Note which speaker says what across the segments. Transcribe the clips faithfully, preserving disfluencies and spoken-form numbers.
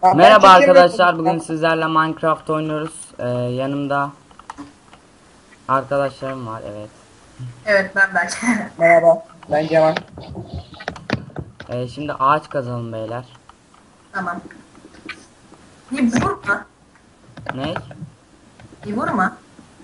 Speaker 1: Ha, ben
Speaker 2: Merhaba
Speaker 1: çekemiyorum.
Speaker 2: arkadaşlar, bugün sizlerle Minecraft oynuyoruz. Ee, yanımda arkadaşlarım var, evet.
Speaker 3: Evet ben Berk.
Speaker 1: Merhaba. Ben Cemal.
Speaker 2: Ee, şimdi ağaç kazalım beyler.
Speaker 3: Tamam. Bir vurma.
Speaker 2: Ne?
Speaker 3: Bir vurma.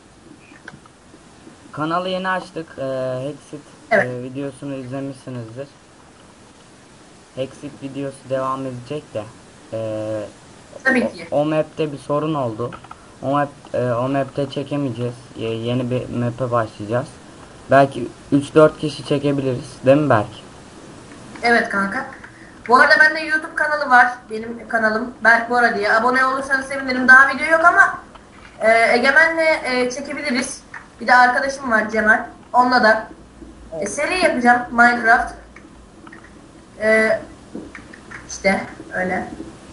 Speaker 2: Kanalı yeni açtık. Ee, Hexit
Speaker 3: Evet.
Speaker 2: e, videosunu izlemişsinizdir. Hexit videosu devam edecek de. ee,
Speaker 3: Tabii
Speaker 2: o,
Speaker 3: ki.
Speaker 2: o map'te bir sorun oldu. O map e, o map'te çekemeyeceğiz. Ye- yeni bir map'e başlayacağız. Belki üç dört kişi çekebiliriz, değil mi Berk?
Speaker 3: Evet kanka. Bu arada bende YouTube kanalı var. Benim kanalım Berk Bora diye. Abone olursanız sevinirim. Daha video yok ama e, Egemen'le e, çekebiliriz. Bir de arkadaşım var Cemal. Onunla da e, seri yapacağım Minecraft. E, işte öyle.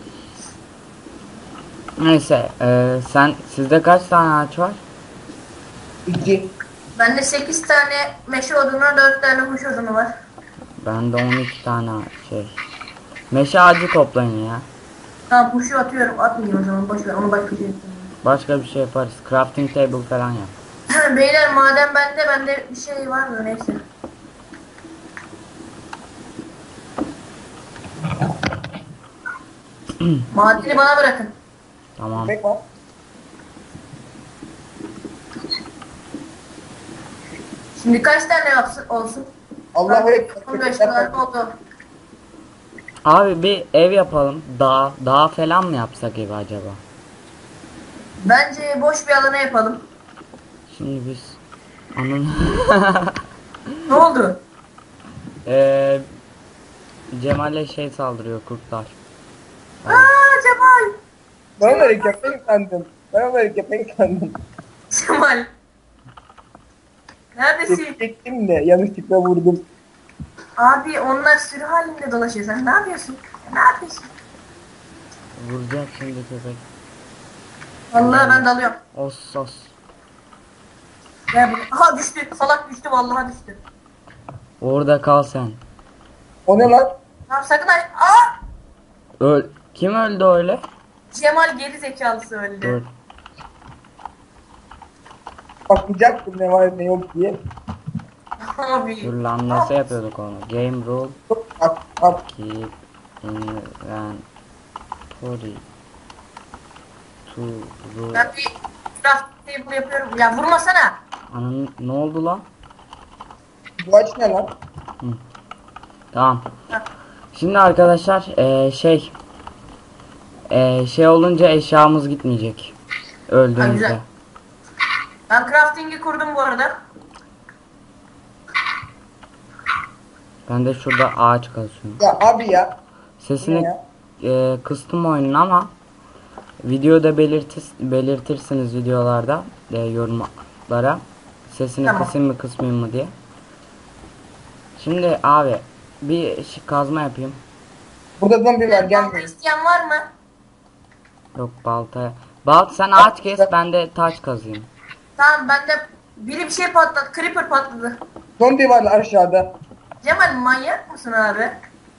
Speaker 2: Neyse, e, sen sizde kaç tane ağaç var?
Speaker 1: İki.
Speaker 3: Bende sekiz tane meşe odunu, dört tane kuş odunu var.
Speaker 2: Bende on iki tane şey. Meşe ağacı toplayın ya.
Speaker 3: Tamam kuşu atıyorum. Atmayayım o zaman. Boş ver. Onu başka bir şey yapayım.
Speaker 2: Başka bir şey yaparız. Crafting table falan yap.
Speaker 3: Beyler madem bende bende bir şey var mı neyse. Madeni bana bırakın.
Speaker 2: Tamam.
Speaker 1: Köpek var.
Speaker 3: Şimdi kaç tane yapsın olsun?
Speaker 1: Allah'a ekber.
Speaker 3: on beş
Speaker 1: Köpekler
Speaker 3: tane
Speaker 1: var.
Speaker 3: oldu.
Speaker 2: Abi bir ev yapalım. Dağ, dağ falan mı yapsak evi acaba?
Speaker 3: Bence boş bir alana yapalım.
Speaker 2: Şimdi biz onun
Speaker 3: Ne oldu?
Speaker 2: Eee Cemal'e şey saldırıyor, kurtlar. Hadi.
Speaker 3: Aa Cemal.
Speaker 1: Ben böyle köpek sandım. Ben böyle köpek sandım.
Speaker 3: Cemal. Neredesin?
Speaker 1: Çektim de yanlışlıkla vurdum.
Speaker 3: Abi onlar sürü halinde dolaşıyor. Sen ne yapıyorsun? Ne yapıyorsun?
Speaker 2: Vuracak şimdi köpek.
Speaker 3: Vallahi ben dalıyorum.
Speaker 2: Os sos.
Speaker 3: Gel buraya. Aha düştü. Salak düştü vallahi düştü.
Speaker 2: Orada kal sen.
Speaker 1: O ne lan?
Speaker 3: Tamam sakın aç. Aa!
Speaker 2: Öl. Kim öldü öyle?
Speaker 3: Cemal geri zekalısı öldü.
Speaker 2: Dur.
Speaker 1: Bakacaktım ne var ne yok diye.
Speaker 3: Abi.
Speaker 2: Dur lan, nasıl yapıyorduk onu? Game rule.
Speaker 1: Bak bak.
Speaker 2: Keep inventory to rule.
Speaker 3: Ben bir craft table yapıyorum. Ya vurmasana.
Speaker 2: Ananın ne oldu lan?
Speaker 1: Bu ağaç ne lan?
Speaker 2: Tamam.
Speaker 3: Ha.
Speaker 2: Şimdi arkadaşlar eee, şey eee, şey olunca eşyamız gitmeyecek.
Speaker 3: Ha,
Speaker 2: Öldüğümüzde.
Speaker 3: güzel. Ben crafting'i kurdum bu arada.
Speaker 2: Ben de şurada ağaç kazıyorum.
Speaker 1: Ya abi ya.
Speaker 2: Sesini
Speaker 1: Ne ya?
Speaker 2: eee, kıstım oyunun ama videoda belirtir, belirtirsiniz videolarda eee, yorumlara. Sesini
Speaker 3: Tamam.
Speaker 2: kısayım mı kısmayayım mı diye. Şimdi abi bir şey- kazma yapayım.
Speaker 1: Burada zombi var
Speaker 3: Balta
Speaker 1: gelmeyin.
Speaker 3: isteyen var mı?
Speaker 2: Yok balta. Balt sen ağaç kes, ben de taş kazayım.
Speaker 3: Tamam bende biri bir şey patladı. Creeper patladı.
Speaker 1: Zombi var aşağıda.
Speaker 3: Cemal manyak mısın abi?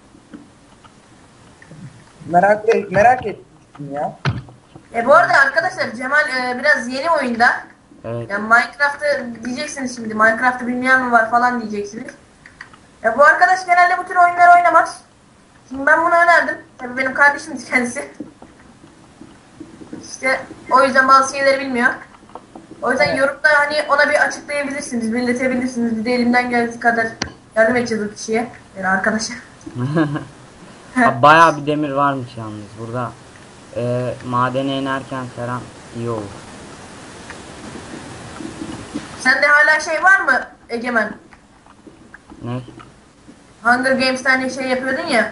Speaker 1: Merak et, merak ettim ya.
Speaker 3: E bu arada arkadaşlar Cemal e, biraz yeni oyunda.
Speaker 2: Evet.
Speaker 3: Yani Minecraft'ı diyeceksiniz şimdi. Minecraft'ı bilmeyen mi var falan diyeceksiniz. Ya bu arkadaş genelde bu tür oyunlar oynamaz. Şimdi ben bunu önerdim. Tabii benim kardeşim kendisi. İşte o yüzden bazı şeyleri bilmiyor. O yüzden
Speaker 1: Evet.
Speaker 3: yorumda hani ona bir açıklayabilirsiniz, belirtebilirsiniz. Bir de elimden geldiği kadar yardım edeceğiz o kişiye. Yani arkadaşa.
Speaker 2: Abi bayağı bir demir varmış yalnız burada. Eee madene inerken falan iyi olur.
Speaker 3: Sende hala şey var mı Egemen?
Speaker 2: Ne?
Speaker 3: Hunger Games'te hani şey yapıyordun ya.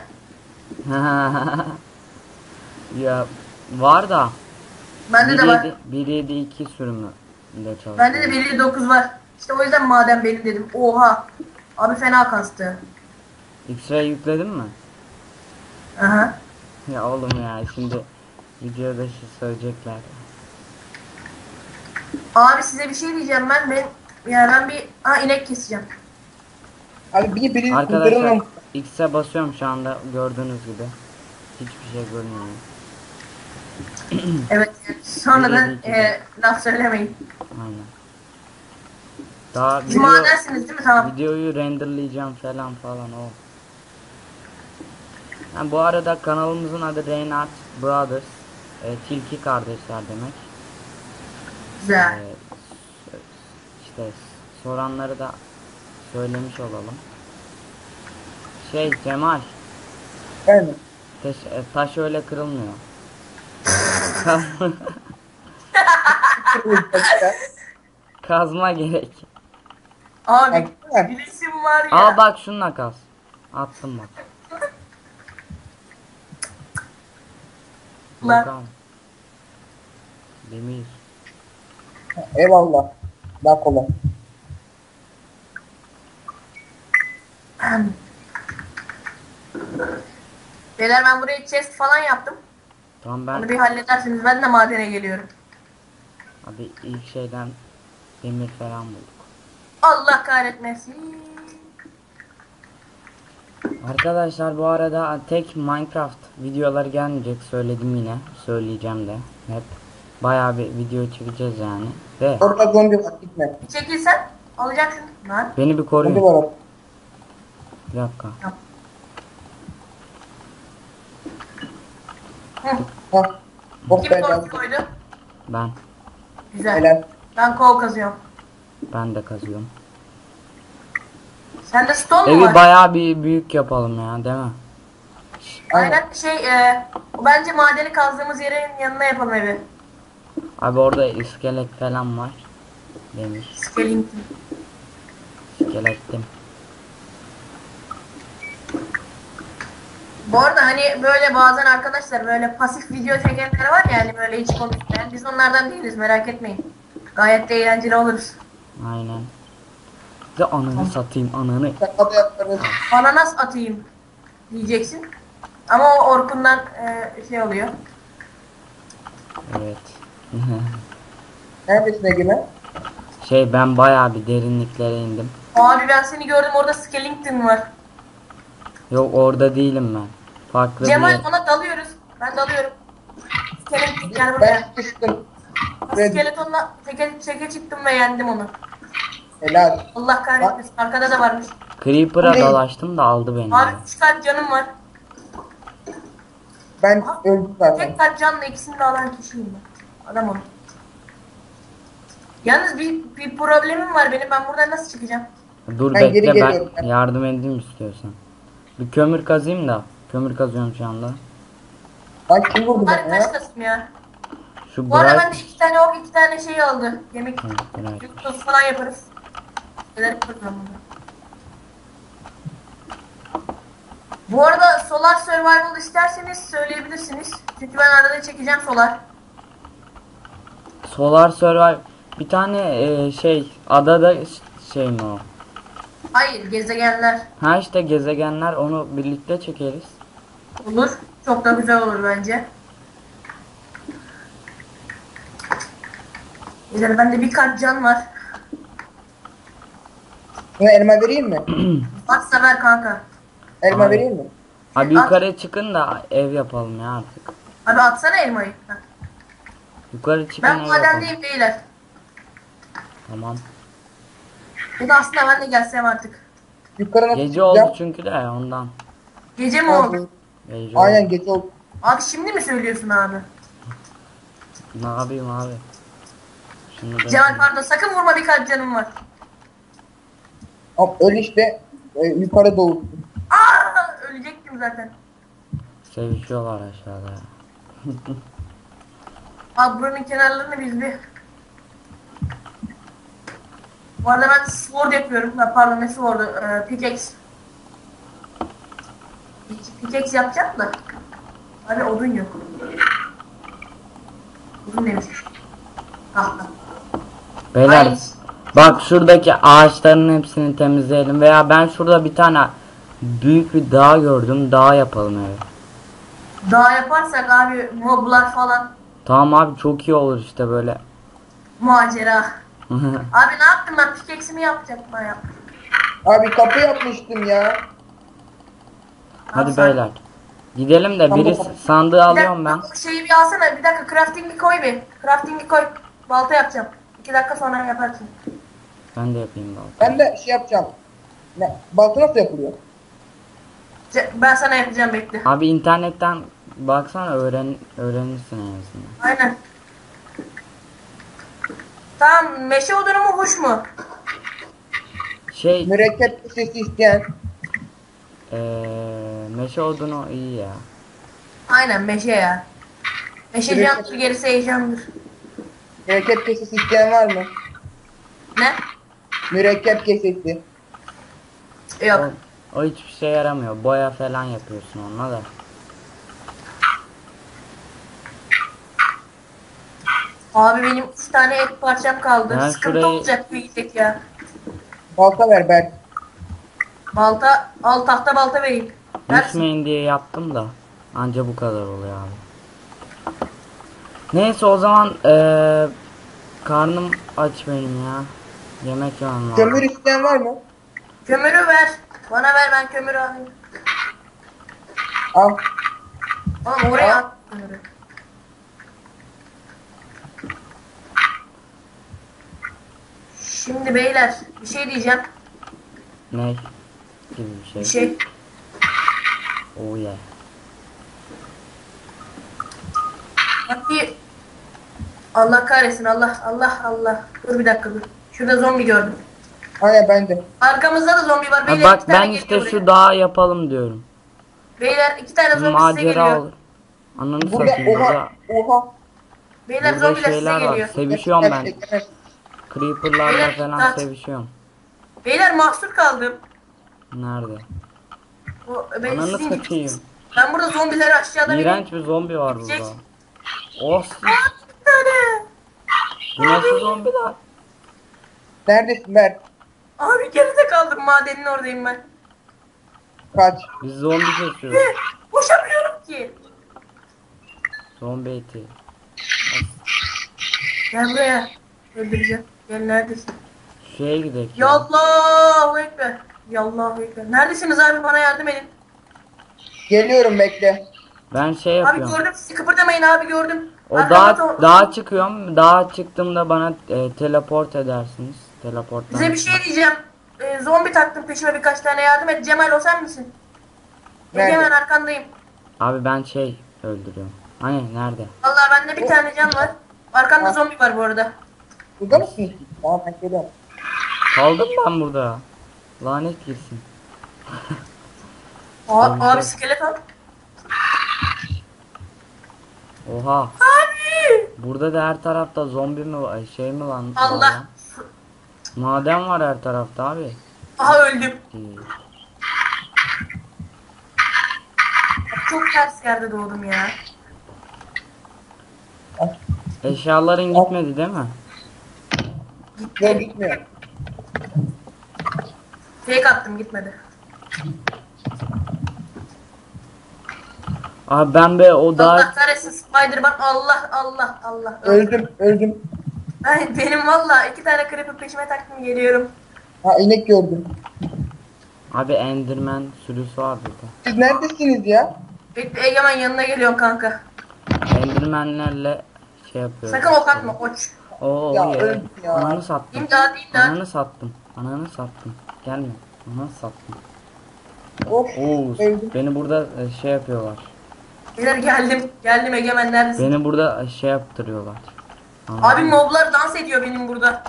Speaker 2: Ya var da
Speaker 3: Bende de var.
Speaker 2: bir yedi iki sürümü de çalışıyor.
Speaker 3: Bende de bir nokta dokuz var. İşte o yüzden madem benim dedim. Oha. Abi fena kastı.
Speaker 2: X-ray yükledin mi?
Speaker 3: Aha.
Speaker 2: Ya oğlum ya, şimdi videoda şey söyleyecekler.
Speaker 3: Abi size bir şey diyeceğim ben. Ben ya ben bir ha inek keseceğim.
Speaker 1: Abi bir biri
Speaker 2: Arkadaşlar
Speaker 1: kurtarılmam.
Speaker 2: X'e basıyorum şu anda, gördüğünüz gibi. Hiçbir şey görünmüyor.
Speaker 3: Evet. Sonradan
Speaker 2: Birinci
Speaker 3: e, laf söylemeyin.
Speaker 2: Aynen. Daha
Speaker 3: Siz
Speaker 2: video,
Speaker 3: madensiniz değil mi? Tamam.
Speaker 2: videoyu renderlayacağım falan falan o. Ha, bu arada kanalımızın adı Reynard Brothers. E, Tilki kardeşler demek.
Speaker 3: Güzel.
Speaker 2: E, işte soranları da söylemiş olalım. Şey Cemal,
Speaker 1: Yani.
Speaker 2: taş, e, taş öyle kırılmıyor. Kazma gerek.
Speaker 3: Abi
Speaker 1: Baksana.
Speaker 3: bilesim var ya.
Speaker 2: Al bak şununla kaz. Attım bak.
Speaker 3: Lan.
Speaker 2: Bakalım. Demir.
Speaker 1: Eyvallah. Daha kolay.
Speaker 3: Beyler ben buraya chest falan yaptım.
Speaker 2: Tamam
Speaker 3: Onu
Speaker 2: ben
Speaker 3: bir halledersiniz. Ben de madene geliyorum.
Speaker 2: abi ilk şeyden demir falan bulduk.
Speaker 3: Allah kahretmesin.
Speaker 2: Arkadaşlar bu arada tek Minecraft videoları gelmeyecek, söyledim yine, söyleyeceğim de hep. Bayağı bir video çekeceğiz yani. Ve
Speaker 1: Orada zombi var, gitme.
Speaker 3: Bir çekilsen alacaksın. Lan.
Speaker 2: beni bir
Speaker 1: Zombi
Speaker 2: koruyun.
Speaker 1: var orada.
Speaker 2: Bir dakika.
Speaker 3: Hı.
Speaker 1: Hah. Oh
Speaker 3: Kim
Speaker 1: be
Speaker 3: tortu
Speaker 1: lazım.
Speaker 3: koydu?
Speaker 2: Ben
Speaker 3: Güzel.
Speaker 1: Helal.
Speaker 3: Ben kol kazıyorum.
Speaker 2: ben de kazıyorum.
Speaker 3: Sende stone mu
Speaker 2: Evi
Speaker 3: var?
Speaker 2: bayağı bir büyük yapalım ya, değil mi?
Speaker 3: Aynen şey e, bence madeni kazdığımız yerin yanına yapalım evi.
Speaker 2: Abi orada iskelet falan var. Demir.
Speaker 3: Skellington.
Speaker 2: İskelettim.
Speaker 3: Bu arada hani böyle bazen arkadaşlar böyle pasif video çekenler var ya hani böyle hiç konuşmayan. Biz onlardan değiliz merak etmeyin. Gayet de eğlenceli oluruz.
Speaker 2: Aynen. Bir de ananı satayım, ananı.
Speaker 1: Şaka da yaparız.
Speaker 3: Ananas atayım diyeceksin. Ama o Orkun'dan e, şey oluyor.
Speaker 2: Evet.
Speaker 1: Neredesin Egemen?
Speaker 2: Şey ben bayağı bir derinliklere indim.
Speaker 3: Abi ben seni gördüm orada Skellington var.
Speaker 2: Yok orada değilim ben. Farklı bir
Speaker 3: Cemal
Speaker 2: yer.
Speaker 3: ona dalıyoruz. Ben dalıyorum. Skellington gel
Speaker 1: Ben
Speaker 3: buraya.
Speaker 1: sıkıştım. Red.
Speaker 3: Skeletonla teke, teke çıktım ve yendim onu.
Speaker 1: Helal.
Speaker 3: Allah kahretmesin. Arkada da varmış.
Speaker 2: Creeper'a
Speaker 1: Ne?
Speaker 2: dalaştım da aldı beni.
Speaker 3: Abi
Speaker 2: ya.
Speaker 3: üç kalp canım var.
Speaker 1: Ben öldüm zaten.
Speaker 3: Tek kalp canla ikisini de alan kişiyim ben. Adam onu. Yalnız bir, bir problemim var benim. Ben buradan nasıl çıkacağım?
Speaker 2: Dur
Speaker 1: Ben geri
Speaker 2: bekle
Speaker 1: geliyorum
Speaker 2: ben
Speaker 1: ben.
Speaker 2: yardım edeyim istiyorsan. Bir kömür kazayım da. Kömür kazıyorum şu anda.
Speaker 1: Lan kim vurdu
Speaker 3: Bari
Speaker 1: bana ya?
Speaker 3: taş kasım ya.
Speaker 2: Şu
Speaker 3: Bu arada
Speaker 2: bright...
Speaker 3: ben de iki tane ok, iki tane şey aldı. Yemek,
Speaker 2: Hı, bright.
Speaker 3: yumurtası falan yaparız. Neler yaparız ben burada. Bu arada Solar Survival isterseniz söyleyebilirsiniz. Çünkü ben arada çekeceğim Solar.
Speaker 2: Solar Survival. Bir tane e, şey adada şey mi o?
Speaker 3: Hayır, gezegenler
Speaker 2: Ha işte gezegenler, onu birlikte çekeriz.
Speaker 3: olur. Çok da güzel olur bence. Güzel, bende bir kalp can var.
Speaker 1: Sana elma vereyim mi?
Speaker 3: Varsa ver kanka.
Speaker 1: Elma
Speaker 2: Abi.
Speaker 1: vereyim mi?
Speaker 2: Abi yukarı çıkın da ev yapalım ya artık.
Speaker 3: Abi atsana elmayı. Heh.
Speaker 2: Yukarı çıkın
Speaker 3: Ben
Speaker 2: ev yapalım.
Speaker 3: madendeyim beyler.
Speaker 2: Tamam.
Speaker 3: Ya da aslında ben de gelsem artık.
Speaker 1: Yukarı nasıl
Speaker 2: Gece oldu
Speaker 1: çıkacağım?
Speaker 2: çünkü de ondan.
Speaker 3: Gece mi oldu?
Speaker 2: Gece
Speaker 1: Aynen
Speaker 2: oldu.
Speaker 1: gece oldu.
Speaker 3: Abi şimdi mi söylüyorsun abi?
Speaker 2: Ne yapayım abi? Şunu da
Speaker 3: Cemal pardon sakın vurma bir kalp canım var.
Speaker 1: Ama öl işte. E, yukarı doğusun.
Speaker 3: Aa, ölecektim zaten.
Speaker 2: sevişiyorlar aşağıda.
Speaker 3: Abi buranın kenarlarını biz bir... Bu arada ben sword yapıyorum. Ha, pardon ne sword'u? Ee, pickaxe. Pickaxe yapacağım da. Abi odun yok. Odun demiş. Tahta.
Speaker 2: Beyler
Speaker 3: Ay.
Speaker 2: bak şuradaki ağaçların hepsini temizleyelim veya ben şurada bir tane büyük bir dağ gördüm, dağ yapalım evi.
Speaker 3: Daha yaparsak abi moblar falan
Speaker 2: Tamam abi, çok iyi olur işte böyle.
Speaker 3: macera. Abi ne yaptım ben pickaxe'imi yapacaktım ben yaptım.
Speaker 1: Abi kapı yapmıştım ya.
Speaker 2: Hadi
Speaker 3: sen-
Speaker 2: beyler. Gidelim de
Speaker 1: Tamam.
Speaker 2: biri sandığı
Speaker 3: Bir
Speaker 2: alıyorum ben.
Speaker 3: dakika, şeyi bir alsana. Bir dakika crafting'i koy bir. Crafting'i koy. Balta yapacağım. İki dakika sonra yaparsın.
Speaker 2: Ben de yapayım balta.
Speaker 1: Ben de şey yapacağım. Ne? Balta nasıl yapılıyor?
Speaker 3: Ce- Ben sana yapacağım, bekle.
Speaker 2: Abi internetten baksana öğren öğrenirsin en azından.
Speaker 3: Aynen. Tamam, meşe odunu mu huş mu?
Speaker 2: Şey
Speaker 1: Mürekkep sesi isteyen.
Speaker 2: eee meşe odunu iyi ya.
Speaker 3: Aynen meşe ya. Meşe
Speaker 1: Mürekkep-
Speaker 3: candır, gerisi heyecandır.
Speaker 1: Mürekkep kesesi isteyen var mı?
Speaker 3: Ne?
Speaker 1: Mürekkep kesesi.
Speaker 3: Yok.
Speaker 2: O, o hiçbir şey yaramıyor. Boya falan yapıyorsun onunla da.
Speaker 3: Abi benim üç tane et parçam kaldı.
Speaker 2: Ben
Speaker 3: Sıkıntı
Speaker 2: şurayı-
Speaker 3: olacak bu yiyecek ya.
Speaker 1: Balta ver Berk.
Speaker 3: Balta, al tahta balta vereyim. Versin.
Speaker 2: Düşmeyin diye yaptım da. Anca bu kadar oluyor abi. Neyse o zaman eee karnım aç benim ya. Yemek yemem lazım.
Speaker 1: Kömür isteyen var mı?
Speaker 3: Kömürü ver. Bana ver, ben kömürü alayım.
Speaker 1: Al.
Speaker 3: Oğlum oraya
Speaker 1: Al.
Speaker 3: at kömürü. Şimdi beyler bir şey diyeceğim.
Speaker 2: Ne? Gibi bir şey.
Speaker 3: Bir şey.
Speaker 2: Oh yeah.
Speaker 3: Hadi. Allah kahretsin, Allah Allah Allah. Dur bir dakika dur. Şurada zombi gördüm.
Speaker 1: Aynen ben de.
Speaker 3: Arkamızda da zombi var.
Speaker 2: Ha,
Speaker 3: Beyler
Speaker 2: bak
Speaker 3: iki tane
Speaker 2: ben
Speaker 3: geliyor
Speaker 2: işte
Speaker 3: buraya.
Speaker 2: şu dağı yapalım diyorum.
Speaker 3: Beyler iki tane zombi size
Speaker 2: Macera
Speaker 3: geliyor.
Speaker 2: olur. Ananı
Speaker 1: Burada
Speaker 2: satayım burada.
Speaker 1: oha. Oha.
Speaker 3: Beyler
Speaker 2: Burada
Speaker 3: zombiler size
Speaker 2: şeyler var.
Speaker 3: geliyor.
Speaker 2: Sevişiyorum ben.
Speaker 1: Egemen,
Speaker 2: Creeper'larla
Speaker 3: Beyler,
Speaker 2: falan
Speaker 3: dikkat.
Speaker 2: sevişiyorum.
Speaker 3: Beyler mahsur kaldım.
Speaker 2: Nerede?
Speaker 3: O, ben,
Speaker 2: Ananı
Speaker 3: sizin
Speaker 2: satayım.
Speaker 3: gittiniz. Ben burada zombileri aşağıda
Speaker 2: İğrenç bir zombi var
Speaker 3: Gidecek.
Speaker 2: burada. Oh,
Speaker 3: Bir tane.
Speaker 2: bu nasıl zombiler?
Speaker 1: Neredesin Berk?
Speaker 3: Abi geride kaldım, madenin oradayım ben.
Speaker 1: Kaç.
Speaker 2: Biz zombi kesiyoruz.
Speaker 3: Koşamıyorum ki.
Speaker 2: Zombi eti.
Speaker 3: Gel buraya. Öldüreceğim. Gel, neredesin?
Speaker 2: Şeye gidelim.
Speaker 3: Yallahu ekber. Yallahu ekber. Neredesiniz abi, bana yardım edin.
Speaker 1: Geliyorum bekle.
Speaker 2: Ben şey
Speaker 3: Abi
Speaker 2: yapıyorum.
Speaker 3: gördüm sizi, kıpırdamayın abi, gördüm.
Speaker 2: O
Speaker 3: Arkamda
Speaker 2: dağa,
Speaker 3: to-
Speaker 2: dağa çıkıyorum. Dağa çıktığımda bana e, teleport edersiniz. Teleporttan.
Speaker 3: Size bir şey diyeceğim. Ee, zombi taktım peşime, birkaç tane yardım et. Cemal o sen misin?
Speaker 1: Nerede?
Speaker 3: Egemen arkandayım.
Speaker 2: Abi ben şey öldürüyorum. Hani nerede?
Speaker 3: Vallahi bende bir tane can var. Arkamda
Speaker 1: Ha.
Speaker 3: zombi var bu arada.
Speaker 1: Burada mısın? Tamam ben geliyorum.
Speaker 2: Kaldım ben burada. Lanet girsin.
Speaker 3: Aa,
Speaker 2: Zombi.
Speaker 3: abi skeleton.
Speaker 2: Oha.
Speaker 3: Abi.
Speaker 2: Burada da her tarafta zombi mi var? Şey mi lan? var
Speaker 3: Allah.
Speaker 2: lan? Maden var her tarafta abi.
Speaker 3: Aha öldüm.
Speaker 2: Değil.
Speaker 3: Çok ters yerde doğdum ya.
Speaker 2: Eşyaların gitmedi değil mi?
Speaker 1: Yok gitmiyor.
Speaker 3: Fake attım, gitmedi.
Speaker 2: Abi ben be o
Speaker 3: Allah
Speaker 2: dağa
Speaker 3: kahretsin Spider-Man. Allah Allah Allah.
Speaker 1: Öldüm öldüm.
Speaker 3: Ay, benim valla iki tane creeper peşime taktım, geliyorum.
Speaker 1: Ha inek gördüm.
Speaker 2: abi Enderman sürüsü var burada.
Speaker 1: Siz neredesiniz ya?
Speaker 3: Bekle Egemen, yanına geliyorum kanka.
Speaker 2: Endermanlerle şey yapıyorum.
Speaker 3: Sakın ok atma koç.
Speaker 2: Oo
Speaker 1: Ya,
Speaker 2: ya.
Speaker 1: öldüm ya.
Speaker 2: Ananı sattım.
Speaker 3: İmdat imdat.
Speaker 2: Ananı sattım. Ananı sattım. Gelme. Ananı sattım.
Speaker 1: Of.
Speaker 2: Oo,
Speaker 1: Öldüm.
Speaker 2: beni burada e, şey yapıyorlar.
Speaker 3: Beyler geldim. Geldim Egemen, neredesin?
Speaker 2: Beni burada e, şey yaptırıyorlar.
Speaker 3: Abi moblar dans ediyor benim burada.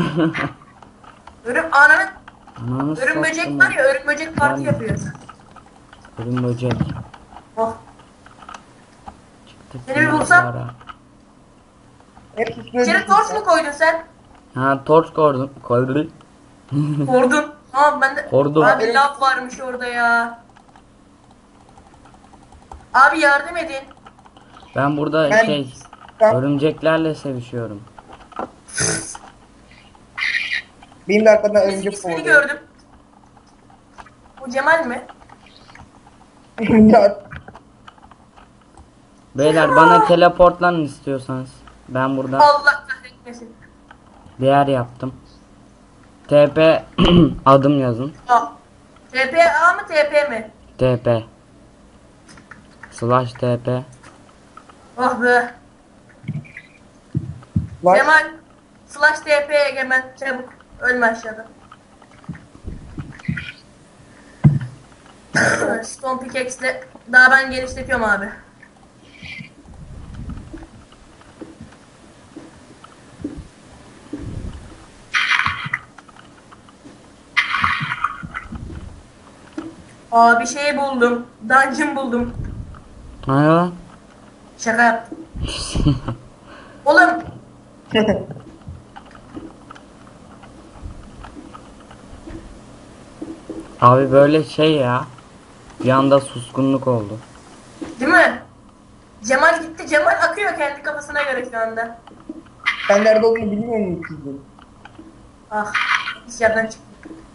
Speaker 3: Örüm ananın
Speaker 2: Ananı
Speaker 3: örüm böcek
Speaker 2: sattım
Speaker 3: var ya, örüm böcek parti
Speaker 2: Ben-
Speaker 3: yapıyor.
Speaker 2: Ölüm böcek.
Speaker 3: Oh.
Speaker 2: Çıktık
Speaker 3: Seni bir bulsam.
Speaker 2: yollara.
Speaker 1: Hepsi
Speaker 3: İçeri torç mu koydun sen?
Speaker 2: Ha torç koydum. Koydum.
Speaker 3: Kordun. Tamam ben de.
Speaker 2: Kordum.
Speaker 3: Abi lav varmış orada ya. Abi yardım edin.
Speaker 2: Ben burada
Speaker 1: Ben-
Speaker 2: şey
Speaker 1: Tamam.
Speaker 2: örümceklerle sevişiyorum.
Speaker 1: Benim de arkadan
Speaker 3: Biz
Speaker 1: örümcek
Speaker 3: ismini
Speaker 1: kovalıyor.
Speaker 3: gördüm. Bu Cemal mi?
Speaker 1: Ya,
Speaker 2: Beyler bana teleportlanın istiyorsanız. Ben burada
Speaker 3: Allah kahretmesin.
Speaker 2: bir yer yaptım. T P adım yazın.
Speaker 3: Aa. T P A mı T P mi?
Speaker 2: T P. Slash T P.
Speaker 3: Oh be.
Speaker 1: Var.
Speaker 3: Cemal. Slash T P Egemen. Çabuk. Ölme aşağıda. Stone pickaxe'le daha ben genişletiyorum abi. Aa bir şey buldum. Dungeon buldum.
Speaker 2: Hayır lan.
Speaker 3: Şaka yaptım. Oğlum.
Speaker 2: Abi böyle şey ya. Bir anda suskunluk oldu.
Speaker 3: Değil mi? Cemal gitti. Cemal akıyor kendi kafasına göre şu anda.
Speaker 1: Sen nerede olduğunu bilmiyor musun kızım?
Speaker 3: Ah. Dışarıdan çıktı.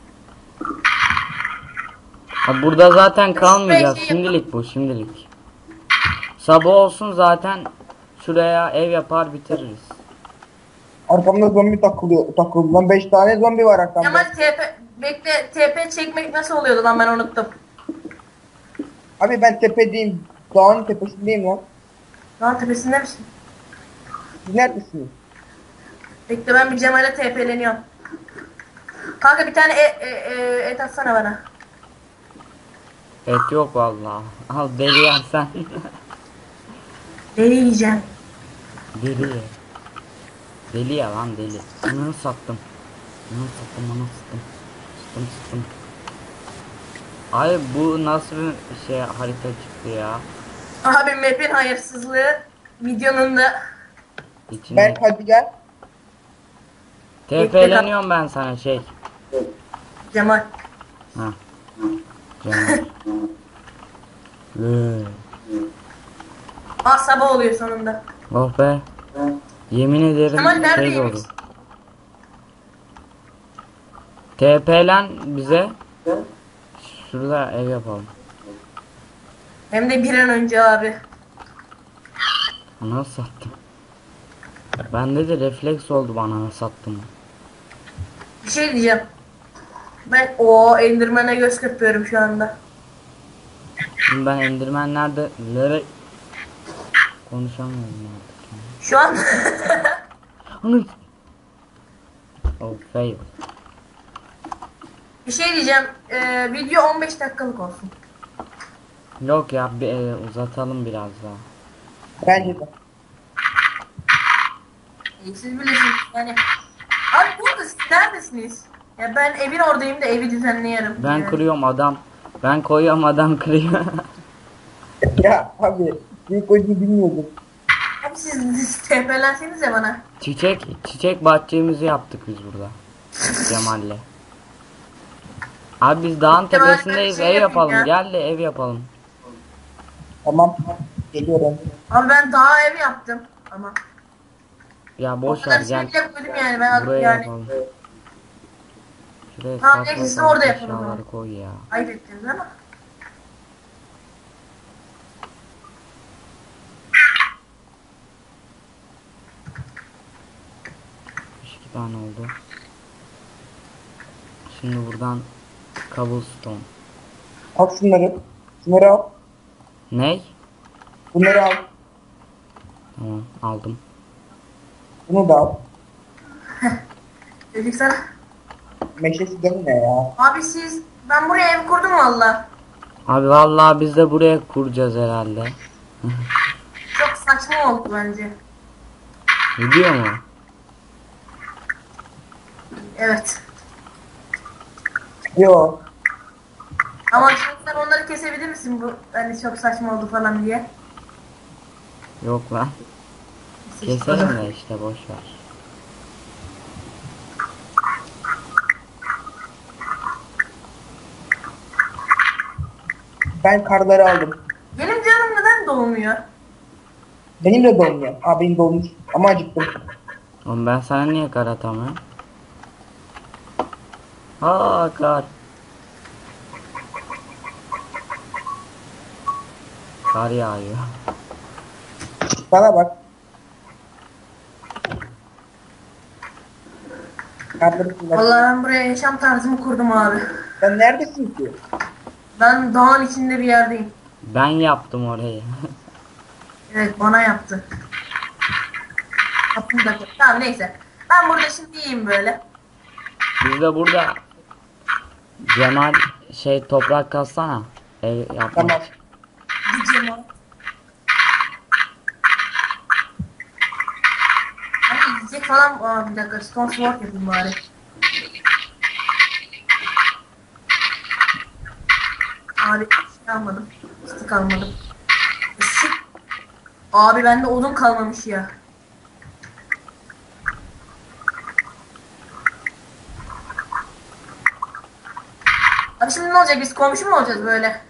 Speaker 2: Abi burada zaten kalmayacağız.
Speaker 3: şey
Speaker 2: Şimdilik bu şimdilik. Sabah olsun zaten şuraya ev yapar bitiririz.
Speaker 1: Arkamda zombi takılıyor. Takıldı lan. beş tane zombi var arkamda.
Speaker 3: Cemal T P bekle T P çekmek nasıl oluyordu lan ben unuttum.
Speaker 1: Abi ben tepedeyim. Dağın tepesindeyim lan.
Speaker 3: Lan tepesinde misin?
Speaker 1: Siz neredesiniz?
Speaker 3: Bekle ben bir Cemal'e T P'leniyorum. Kanka bir tane e, e, e, et atsana bana.
Speaker 2: Et yok vallahi. Al deli yersen.
Speaker 3: Deli yiyeceğim.
Speaker 2: Deli. Deli ya lan deli. Ananı sattım. Ananı sattım ananı sattım. Sıttım sıttım. Ay bu nasıl bir şey harita çıktı ya.
Speaker 3: Abi map'in hayırsızlığı videonun da
Speaker 2: İçine.
Speaker 1: Ben hadi gel.
Speaker 2: T P'leniyorum ben sana şey.
Speaker 3: Cemal.
Speaker 2: Ha. Cemal. Lü.
Speaker 3: Aa sabah oluyor sonunda.
Speaker 2: Oh be. Yemin ederim
Speaker 3: Cemal
Speaker 2: şey
Speaker 3: neredeymiş?
Speaker 2: oldu. T P'len bize. Şurada ev yapalım.
Speaker 3: Hem de bir an önce abi.
Speaker 2: Ana sattım. Bende de refleks oldu bana sattım.
Speaker 3: Bir şey diyeceğim. Ben o Enderman'e göz kırpıyorum şu anda.
Speaker 2: Şimdi ben Enderman'lerde lere konuşamıyorum artık. Yani.
Speaker 3: Şu an
Speaker 2: Onu oh fail.
Speaker 3: bir şey diyeceğim. Ee, video on beş dakikalık olsun.
Speaker 2: Yok ya bir e, uzatalım biraz daha.
Speaker 1: Bence de.
Speaker 3: İyi, siz bilirsiniz yani. Abi burada siz neredesiniz? Ya ben evin oradayım da evi düzenleyelim.
Speaker 2: Ben
Speaker 3: yani.
Speaker 2: kırıyorum adam. Ben koyuyorum adam kırıyor.
Speaker 1: Ya abi. Büyük oyunu bilmiyordum.
Speaker 3: Abi siz, siz tepelenseniz ya bana.
Speaker 2: Çiçek çiçek bahçemizi yaptık biz burada. Cemal'le. Abi biz dağın
Speaker 3: Cemal, ben bir
Speaker 2: tepesindeyiz
Speaker 3: şey
Speaker 2: ev
Speaker 3: yapayım
Speaker 2: yapalım.
Speaker 3: ya.
Speaker 2: Gel de ev yapalım.
Speaker 1: Tamam. Geliyorum.
Speaker 3: Abi ben daha ev yaptım ama.
Speaker 2: Ya
Speaker 3: O
Speaker 2: boş
Speaker 3: kadar
Speaker 2: ver
Speaker 3: şey
Speaker 2: gel.
Speaker 3: bile koydum yani ben
Speaker 2: Buraya
Speaker 3: yani.
Speaker 2: yapalım. Şuraya
Speaker 3: Tamam,
Speaker 2: saçma
Speaker 3: neyse, siz
Speaker 2: sapan
Speaker 3: orada yapın o
Speaker 2: eşyaları
Speaker 3: zaman.
Speaker 2: koy ya.
Speaker 3: Ayıp ettiniz ama.
Speaker 2: iki tane oldu. Şimdi buradan cobblestone.
Speaker 1: Al şunları. Şunları al.
Speaker 2: Ney?
Speaker 1: Bunları al.
Speaker 2: Tamam aldım.
Speaker 1: Bunu da al.
Speaker 3: Dedik sana.
Speaker 1: Meşesi de ne ya?
Speaker 3: Abi siz ben buraya ev kurdum valla.
Speaker 2: Abi vallahi biz de buraya kuracağız herhalde.
Speaker 3: Çok saçma oldu bence.
Speaker 2: Gidiyor mu?
Speaker 3: Evet.
Speaker 1: Yo.
Speaker 3: Ama şimdi sen onları kesebilir misin bu hani çok saçma oldu falan diye.
Speaker 2: Yok lan. Keselim de işte boş ver.
Speaker 1: Ben karları aldım.
Speaker 3: Benim canım neden dolmuyor?
Speaker 1: Benim de dolmuyor. Aa benim dolmuş. Ama acıktım.
Speaker 2: Oğlum ben sana niye kar atamıyorum? Aa kar. Kar yağıyor.
Speaker 1: Bana bak. Karları kullan.
Speaker 3: Vallahi ben buraya yaşam tarzımı kurdum abi.
Speaker 1: Sen neredesin ki?
Speaker 3: Ben dağın içinde bir yerdeyim.
Speaker 2: Ben yaptım orayı.
Speaker 3: Evet bana yaptı. Kapını da koy. Tamam neyse. Ben burada şimdi yiyeyim böyle.
Speaker 2: Biz de burada Cemal şey toprak kassana. Ev yapmak
Speaker 1: Tamam.
Speaker 2: için.
Speaker 3: Gideceğim o. Hani yiyecek falan. Aa, bir dakika stone sword yapayım bari. Abi şey almadım. Stick almadım. Stick. Abi bende odun kalmamış ya. Abi şimdi ne olacak? Biz komşu mu olacağız böyle?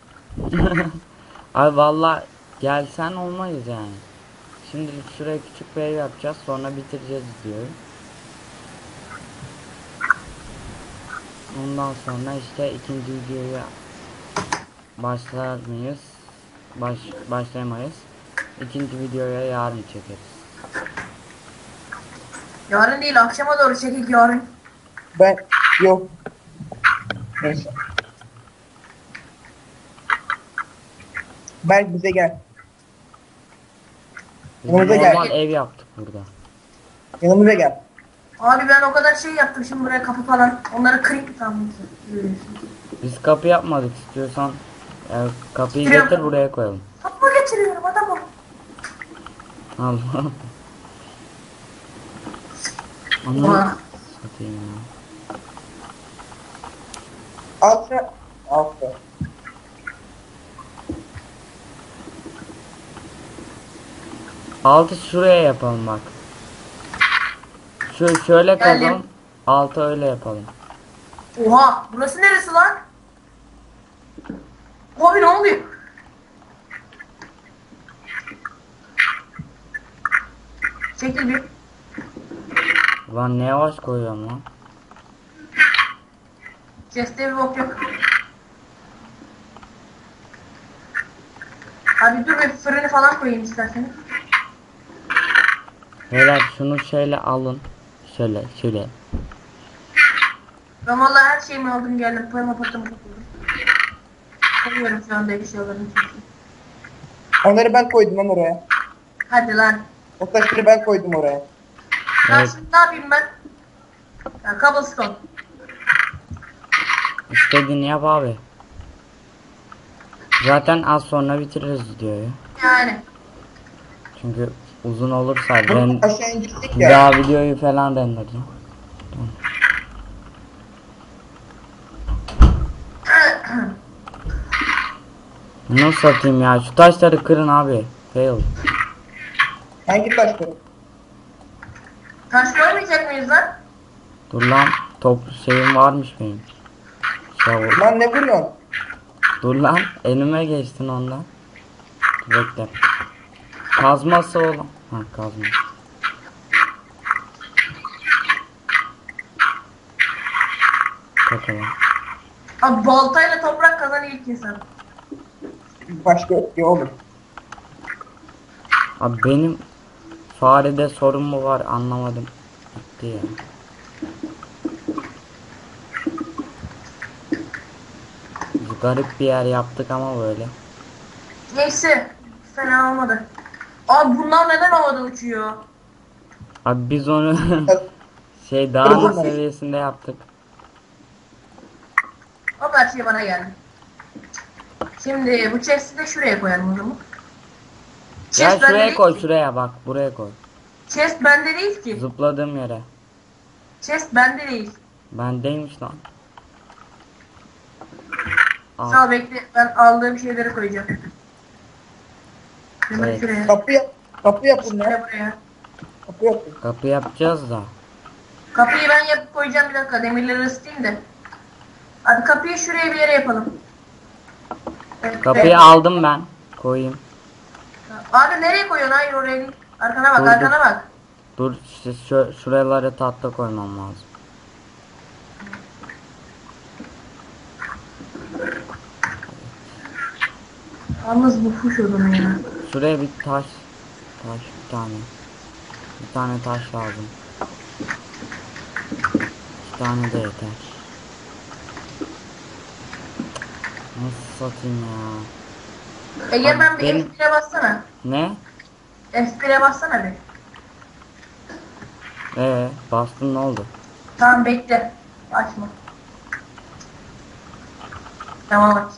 Speaker 2: Abi valla gelsen olmayız yani. Şimdi şuraya küçük bir ev yapacağız, sonra bitireceğiz diyor. Ondan sonra işte ikinci videoya başlar mıyız? Baş, başlayamayız. İkinci videoya yarın çekeriz.
Speaker 3: Yarın değil akşama doğru çekik yarın.
Speaker 1: Ben yok. Neyse. Berk bize gel.
Speaker 2: Biz
Speaker 1: Yanımıza
Speaker 2: normal
Speaker 1: gel.
Speaker 2: ev yaptık burada.
Speaker 1: Yanımıza gel.
Speaker 3: Abi ben o kadar şey yaptım şimdi buraya kapı falan. Onları kırayım tamam.
Speaker 2: Biz kapı yapmadık, istiyorsan e, kapıyı
Speaker 3: Getiriyorum.
Speaker 2: getir buraya koyalım.
Speaker 3: Kapı getiriyorum adamım.
Speaker 2: Allah.
Speaker 3: Oha.
Speaker 2: Onu satayım ya.
Speaker 1: Altta. Altta.
Speaker 2: Altı şuraya yapalım bak. Şu şöyle
Speaker 3: Geldim.
Speaker 2: kazalım. Altı öyle yapalım.
Speaker 3: Oha burası neresi lan? Abi ne oluyor? Çekil bir.
Speaker 2: Lan ne yavaş koyuyorum lan.
Speaker 3: Chest'te bir bok yok. Abi dur bir fırını falan koyayım isterseniz.
Speaker 2: Beyler şunu şöyle alın. Şöyle şöyle.
Speaker 3: Ben vallahi her şeyimi aldım geldim. Parama patlamı topladım. Koyuyorum şu anda eşyalarını çünkü.
Speaker 1: Onları ben koydum lan oraya.
Speaker 3: Hadi lan.
Speaker 1: O taşları ben koydum oraya.
Speaker 3: Lan
Speaker 2: Evet.
Speaker 3: şimdi ne yapayım ben? Ya cobblestone.
Speaker 2: İstediğini yap abi. Zaten az sonra bitiririz videoyu.
Speaker 3: Yani.
Speaker 2: Çünkü uzun olursa
Speaker 1: Bunu
Speaker 2: ben
Speaker 1: aşağı indirdik
Speaker 2: bir
Speaker 1: ya.
Speaker 2: daha videoyu falan renderleyeceğim. Nasıl satayım ya? Şu taşları kırın abi. Fail.
Speaker 1: Hangi taşları?
Speaker 3: Taş koymayacak mıyız lan?
Speaker 2: Dur lan. Top şeyim varmış benim. Şavur.
Speaker 1: Lan ne vuruyorsun?
Speaker 2: Dur lan. Elime geçtin ondan. Bekle. Kazması oğlum. Ha kazma. Bakalım.
Speaker 3: Abi baltayla toprak kazan ilk insan.
Speaker 1: Başka yok ki oğlum.
Speaker 2: Abi benim farede sorun mu var anlamadım. Gitti ya. Biz garip bir yer yaptık ama böyle.
Speaker 3: Neyse. Fena olmadı. Abi bunlar neden havada uçuyor?
Speaker 2: Abi biz onu şey dağ
Speaker 1: Kırıldı mı?
Speaker 2: seviyesinde yaptık.
Speaker 3: O her şey bana geldi. Şimdi bu chest'i de şuraya koyalım o zaman.
Speaker 2: Ya
Speaker 3: Chest bende
Speaker 2: şuraya
Speaker 3: değil
Speaker 2: koy
Speaker 3: ki.
Speaker 2: şuraya bak buraya koy.
Speaker 3: Chest bende değil ki.
Speaker 2: Zıpladığım yere.
Speaker 3: Chest bende değil.
Speaker 2: Bendeymiş lan. Al.
Speaker 3: Sağ ol bekle. Ben aldığım şeyleri koyacağım. Hemen
Speaker 2: Evet.
Speaker 3: şuraya.
Speaker 1: Kapı yap. Kapı yapın
Speaker 3: Şuraya
Speaker 1: ya.
Speaker 3: buraya.
Speaker 1: Kapı yapın.
Speaker 2: Kapı yapacağız da.
Speaker 3: Kapıyı ben yapıp koyacağım bir dakika. Demirleri ısıtayım da. Hadi kapıyı şuraya bir yere yapalım. Evet,
Speaker 2: Kapıyı
Speaker 3: evet.
Speaker 2: aldım ben. Koyayım.
Speaker 3: Abi nereye koyuyorsun? Hayır oraya değil. Arkana bak,
Speaker 2: Dur, dur.
Speaker 3: arkana bak.
Speaker 2: Dur işte şu, şuralara tahta koymam lazım.
Speaker 3: Yalnız bu fuş odun ya.
Speaker 2: Şuraya bir taş. Taş bir tane. Bir tane taş lazım. İki tane de yeter. Nasıl satayım ya?
Speaker 3: Egemen bir
Speaker 2: Benim-
Speaker 3: F bire bassana.
Speaker 2: Ne?
Speaker 3: F bire bassana bir.
Speaker 2: Ee, bastın ne oldu?
Speaker 3: Tamam bekle. Açma. Tamam aç.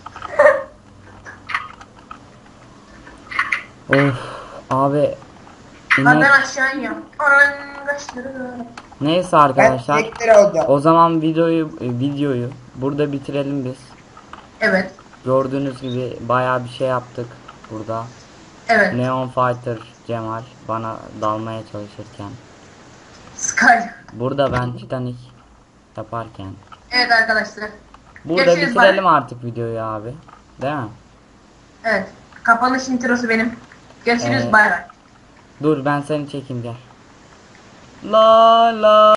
Speaker 2: Of abi.
Speaker 3: Lan
Speaker 2: İnek.
Speaker 3: ben aşağı iniyorum. Anan kaçtı.
Speaker 2: Neyse
Speaker 1: Ben
Speaker 2: arkadaşlar.
Speaker 1: çiçekleri alacağım.
Speaker 2: O zaman videoyu e, videoyu burada bitirelim biz.
Speaker 3: Evet.
Speaker 2: Gördüğünüz gibi bayağı bir şey yaptık burada.
Speaker 3: Evet.
Speaker 2: Neon Fighter Cemal bana dalmaya çalışırken.
Speaker 3: Sky.
Speaker 2: Burada ben Titanic yaparken.
Speaker 3: Evet arkadaşlar.
Speaker 2: Burada
Speaker 3: Görüşürüz,
Speaker 2: bitirelim
Speaker 3: bye.
Speaker 2: artık videoyu abi. Değil mi?
Speaker 3: Evet. Kapanış introsu benim. Görüşürüz
Speaker 2: Ee,
Speaker 3: bay bay.
Speaker 2: Dur ben seni çekeyim gel. La la.